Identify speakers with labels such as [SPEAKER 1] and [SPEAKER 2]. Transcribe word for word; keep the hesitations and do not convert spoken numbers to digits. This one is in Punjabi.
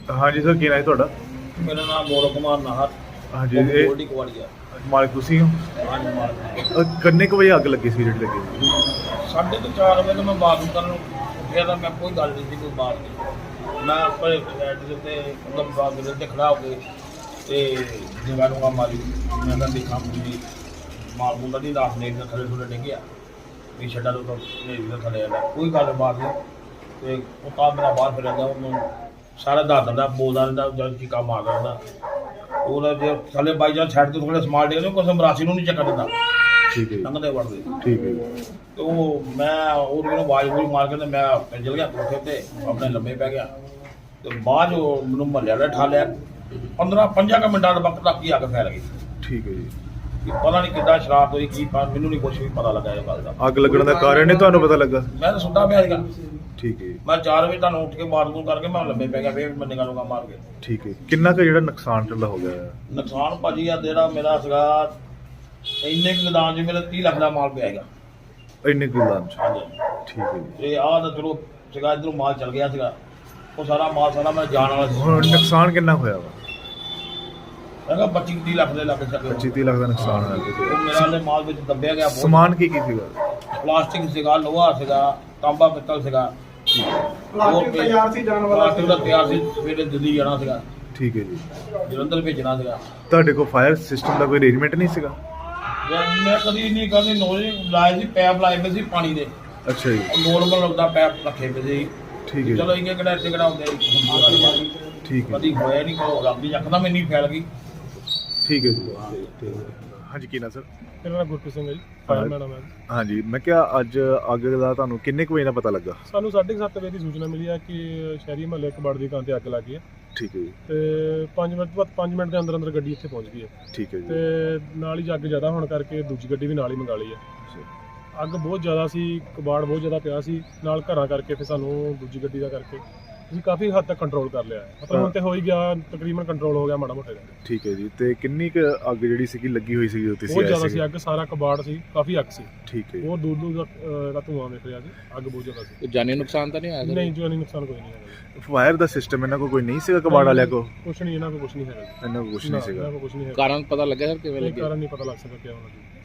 [SPEAKER 1] हाँ जी सर, की नाम है तुहाडा?
[SPEAKER 2] मेरा नाम गौरव कुमार नाहर।
[SPEAKER 1] हाँ जी, ये
[SPEAKER 2] गोल्डी कुआड़िया।
[SPEAKER 1] मालिक तुसी हो?
[SPEAKER 2] हाँ जी, मालिक।
[SPEAKER 1] अ, किन्ने कुछ बजे अग लगी सी ਜਿਹੜੀ ਲੱਗੀ?
[SPEAKER 2] साढ़े तो चार बजे मैं बाथरूम करन उठिया तो मैं कोई गल नहीं थी, कोई बात नहीं। मैं अपने फ्लैट के उत्ते मतलब बाथरूम ते खड़ा हो के ते जगह दूंगा मारी। मैं तो देखा मुझे माल मुंडा नहीं रात ने थले थले डिग गया भी छड्डा तो नेरी के थले आया कोई गल बात नहीं। ते उता मेरा बाहर फिर गया ਉਹਨੂੰ सारा दस दिंदा बोलदा रहंदा जद चीका मारदा रहंदा। ਉਹਦਾ ਜੇ ਥੱਲੇ ਬਾਈ ਜਾਂ ਸਾਈਡ ਤੇ ਥੋੜੇ ਸਮਾਲ ਡੇਗਦੇ ਕੋਈ ਸਮਰਾਸੀ ਨੂੰ ਨਹੀਂ ਚੱਕਰ ਦਿੰਦਾ।
[SPEAKER 1] ਠੀਕ ਹੈ ਜੀ,
[SPEAKER 2] ਲੰਘਦੇ ਵੜਦੇ
[SPEAKER 1] ਠੀਕ ਹੈ ਜੀ।
[SPEAKER 2] ਤੇ ਉਹ ਮੈਂ ਉਹਨੂੰ ਕਹਿੰਦਾ ਆਵਾਜ਼ ਬੂਝ ਮਾਰ ਕੇ ਤੇ ਮੈਂ ਚੱਲ ਗਿਆ ਕੋਠੇ ਤੇ ਆਪਣੇ ਲੰਮੇ ਪੈ ਗਿਆ। ਤੇ ਬਾਅਦ ਉਹ ਮੈਨੂੰ ਮਹੱਲੇ ਵਾਲੇ ਠਾ ਲਿਆ। ਪੰਦਰਾਂ ਪੰਜਾਂ ਕੁ ਮਿੰਟਾਂ ਦੇ ਵਕਤ ਤੱਕ ਹੀ ਅੱਗ ਫੈਲ ਗਈ।
[SPEAKER 1] ਠੀਕ ਹੈ ਜੀ।
[SPEAKER 2] ਕਿ ਪਤਾ ਨਹੀਂ ਕਿੱਦਾਂ ਸ਼ਰਾਰਤ ਹੋਈ ਕੀ ਪਾ ਮੈਨੂੰ ਨਹੀਂ ਕੁਛ ਵੀ ਪਤਾ ਲੱਗਾ ਇਹ ਗੱਲ ਦਾ।
[SPEAKER 1] ਅੱਗ ਲੱਗਣ ਦਾ ਕਾਰਨ ਨਹੀਂ ਤੁਹਾਨੂੰ ਪਤਾ ਲੱਗਾ?
[SPEAKER 2] ਮੈਂ ਤਾਂ ਸੁੱਤਾ ਪਿਆ ਸੀਗਾ।
[SPEAKER 1] ਠੀਕ ਹੈ ਜੀ,
[SPEAKER 2] ਮੈਂ ਚਾਰ ਵਜੇ ਤੁਹਾਨੂੰ ਉੱਠ ਕੇ ਬਾਥਰੂਮ ਕਰਕੇ ਮੈਂ ਲੰਮੇ ਪੈ ਗਿਆ ਫੇਰ ਮੈਂ ਨਿਗਾਹ ਨੂੰ ਮਾਰ ਕੇ।
[SPEAKER 1] ਠੀਕ ਹੈ। ਕਿੰਨਾ ਕੁ ਜਿਹੜਾ ਨੁਕਸਾਨ ਚੱਲਾ ਹੋ ਗਿਆ ਹੈ?
[SPEAKER 2] ਨੁਕਸਾਨ ਭਾਜੀ ਆ ਜਿਹੜਾ ਮੇਰਾ ਸੀਗਾ ਇੰਨੇ ਕੁ ਗਦਾਨ 'ਚ ਮੇਰਾ ਤੀਹ ਲੱਖ ਦਾ ਮਾਲ ਪਿਆ ਹੈਗਾ।
[SPEAKER 1] ਇੰਨੇ ਕੁ ਦਾਨ ਚ?
[SPEAKER 2] ਹਾਂਜੀ
[SPEAKER 1] ਠੀਕ ਹੈ ਜੀ।
[SPEAKER 2] ਤੇ ਆਹ ਤਾਂ ਚਲੋ ਸੀਗਾ ਇੱਧਰੋਂ ਮਾਲ ਚੱਲ ਗਿਆ ਸੀਗਾ। ਉਹ ਸਾਰਾ ਮਾਲ ਸਾਰਾ ਮੈਂ ਜਾਣ ਵਾਲਾ ਸੀ।
[SPEAKER 1] ਹੁਣ ਨੁਕਸਾਨ ਕਿੰਨਾ ਹੋਇਆ ਵਾ?
[SPEAKER 2] ਹੈਗਾ ਪੱਚੀ ਤੀਹ ਲੱਖ ਦੇ ਲੱਗ ਚੱਕੇ।
[SPEAKER 1] ਪੱਚੀ ਤੀਹ ਲੱਖ ਦਾ ਨੁਕਸਾਨ ਹੋਇਆ
[SPEAKER 2] ਉਹ
[SPEAKER 1] ਜੀ।
[SPEAKER 2] ਮੇਰਾ ਦੇ ਮਾਲ ਵਿੱਚ ਦੱਬਿਆ ਗਿਆ ਬਹੁਤ।
[SPEAKER 1] ਸਮਾਨ ਕੀ ਕੀ ਸੀਗਾ?
[SPEAKER 2] ਪਲਾਸਟਿਕ ਸੀਗਾ, ਲੋਹਾ ਸੀਗਾ, ਤਾਂਬਾ ਪਿੱਤਲ ਸੀਗਾ।
[SPEAKER 3] ਪਲਾਸਟਿਕ ਤਿਆਰ ਸੀ ਜਾਣ ਵਾਲਾ
[SPEAKER 2] ਪਲਾਸਟਿਕ ਦਾ ਤਿਆਰ ਸੀ, ਸਵੇਰੇ ਦਿੱਲੀ ਜਾਣਾ ਸੀਗਾ,
[SPEAKER 1] ਠੀਕ ਹੈ ਜੀ।
[SPEAKER 2] ਜਲੰਧਰ ਭੇਜਣਾ ਸੀਗਾ।
[SPEAKER 1] ਤੁਹਾਡੇ ਕੋਲ ਫਾਇਰ ਸਿਸਟਮ ਦਾ ਕੋਈ ਅਰੇਂਜਮੈਂਟ ਨਹੀਂ ਸੀਗਾ?
[SPEAKER 2] ਮੈਂ ਮੈਂ ਕਦੀ ਨਹੀਂ ਕਰਨੀ ਨੋਜ਼ ਲਾਏ ਸੀ, ਪੈਪ ਲਾਏ ਪਏ ਸੀ ਪਾਣੀ ਦੇ।
[SPEAKER 1] ਅੱਛਾ ਜੀ,
[SPEAKER 2] ਨੋਰਮਲ ਲੱਗਦਾ ਪੈਪ ਰੱਖੇ ਪਏ ਸੀ।
[SPEAKER 1] ਠੀਕ ਹੈ
[SPEAKER 2] ਚਲੋ
[SPEAKER 1] ਜੀ,
[SPEAKER 2] ਇਹ ਕਿਹੜਾ ਇੱਥੇ ਕਿਹੜਾ ਹੁੰਦੇ
[SPEAKER 1] ਠੀਕ ਹੈ
[SPEAKER 2] ਕਦੀ ਹੋਇਆ ਨਹੀਂ ਕੋਈ ਰੱਬ ਦੀ ਯਕਦਮ ਇੰਨੀ ਫੈਲ ਗਈ।
[SPEAKER 1] ਠੀਕ ਹੈ ਜੀ। ਤੇ ਹਾਂਜੀ, ਕੀ ਨਾ ਸਰ?
[SPEAKER 3] ਮੇਰਾ ਨਾਮ ਗੁਰਪ੍ਰੀਤ ਸਿੰਘ ਹੈ ਜੀ, ਫਾਇਰਮੈਨ ਹਾਂ ਮੈਂ।
[SPEAKER 1] ਹਾਂਜੀ, ਮੈਂ ਕਿਹਾ ਅੱਜ ਅੱਗ ਦਾ ਤੁਹਾਨੂੰ ਕਿੰਨੇ ਕੁ ਵਜੇ ਦਾ ਪਤਾ ਲੱਗਾ?
[SPEAKER 3] ਸਾਨੂੰ ਸਾਢੇ ਕੁ ਸੱਤ ਵਜੇ ਦੀ ਸੂਚਨਾ ਮਿਲੀ ਹੈ ਕਿ ਸ਼ਹਿਰੀ ਮਹੱਲੇ ਕਬਾੜ ਦੀ ਦੁਕਾਨ ਤੇ ਅੱਗ ਲੱਗ ਗਈ ਹੈ
[SPEAKER 1] ਠੀਕ ਹੈ ਜੀ,
[SPEAKER 3] ਤੇ ਪੰਜ ਮਿੰਟ ਬਾਅਦ ਪੰਜ ਮਿੰਟ ਦੇ ਅੰਦਰ ਅੰਦਰ ਗੱਡੀ ਇੱਥੇ ਪਹੁੰਚ ਗਈ ਹੈ
[SPEAKER 1] ਠੀਕ ਹੈ ਜੀ।
[SPEAKER 3] ਤੇ ਨਾਲ ਹੀ ਅੱਗ ਜ਼ਿਆਦਾ ਹੋਣ ਕਰਕੇ ਦੂਜੀ ਗੱਡੀ ਵੀ ਨਾਲ ਹੀ ਮੰਗਾ ਲਈ ਹੈ। ਅੱਗ ਬਹੁਤ ਜ਼ਿਆਦਾ ਸੀ, ਕਬਾੜ ਬਹੁਤ ਜ਼ਿਆਦਾ ਪਿਆ ਸੀ, ਨਾਲ ਘਰਾਂ ਕਰਕੇ ਫਿਰ ਸਾਨੂੰ ਦੂਜੀ ਗੱਡੀ ਦਾ ਕਰਕੇ ਅਸੀਂ ਕਾਫੀ ਹੱਦ ਤੱਕ ਕੰਟਰੋਲ ਕਰ ਲਿਆ ਹੈ। ਮਤਲਬ ਹੁਣ ਤੇ ਹੋ ਹੀ ਗਿਆ, ਤਕਰੀਬਨ ਕੰਟਰੋਲ ਹੋ ਗਿਆ ਮਾੜਾ ਮੋਟਾ।
[SPEAKER 1] ਠੀਕ ਹੈ ਜੀ। ਤੇ ਕਿੰਨੀ ਕੁ ਅੱਗ ਜਿਹੜੀ ਸੀਗੀ ਲੱਗੀ ਹੋਈ ਸੀਗੀ ਉੱਤੇ?
[SPEAKER 3] ਬਹੁਤ ਜ਼ਿਆਦਾ ਸੀ ਅੱਗ, ਸਾਰਾ ਕਬਾੜ ਸੀ, ਕਾਫੀ ਅੱਗ ਸੀ।
[SPEAKER 1] ਠੀਕ ਹੈ ਜੀ।
[SPEAKER 3] ਬਹੁਤ ਦੂਰ ਦੂਰ ਤੱਕ ਅਹ, ਦਾ ਧੂੰਆਂ ਵੇਖ ਰਿਹਾ ਸੀ, ਅੱਗ ਬਹੁਤ ਜ਼ਿਆਦਾ ਸੀ।
[SPEAKER 4] ਜਾਨੀ ਨੁਕਸਾਨ ਤਾਂ ਨਹੀਂ ਆਇਆ?
[SPEAKER 3] ਨਹੀਂ ਜਾਨੀ ਨੁਕਸਾਨ ਕੋਈ ਨਹੀਂ ਹੈਗਾ।
[SPEAKER 1] ਫਾਇਰ ਦਾ ਸਿਸਟਮ ਇਹਨਾਂ ਕੋਲ ਕੋਈ ਨਹੀਂ ਸੀਗਾ ਕਬਾੜ ਵਾਲਿਆਂ ਕੋਲ?
[SPEAKER 3] ਕੁਛ ਨਹੀਂ, ਇਹਨਾਂ ਕੋਲ ਕੁਛ ਨਹੀਂ ਹੈਗਾ।
[SPEAKER 1] ਇਹਨਾਂ ਕੋਲ ਕੁਛ ਨਹੀਂ ਸੀਗਾ।
[SPEAKER 3] ਇਹਨਾਂ ਕੋਲ ਕੁਛ ਨਹੀਂ ਹੈਗਾ।
[SPEAKER 4] ਕਾਰਨ ਪਤਾ ਲੱਗਿਆ ਸਰ ਕਿਵੇਂ
[SPEAKER 3] ਇਹ
[SPEAKER 4] ਲੱਗਿਆ?
[SPEAKER 3] ਕਾਰਨ ਨਹੀਂ ਪਤਾ ਲੱਗ ਸਕਦਾ ਕਿਉਂ ਲੱਗੀ।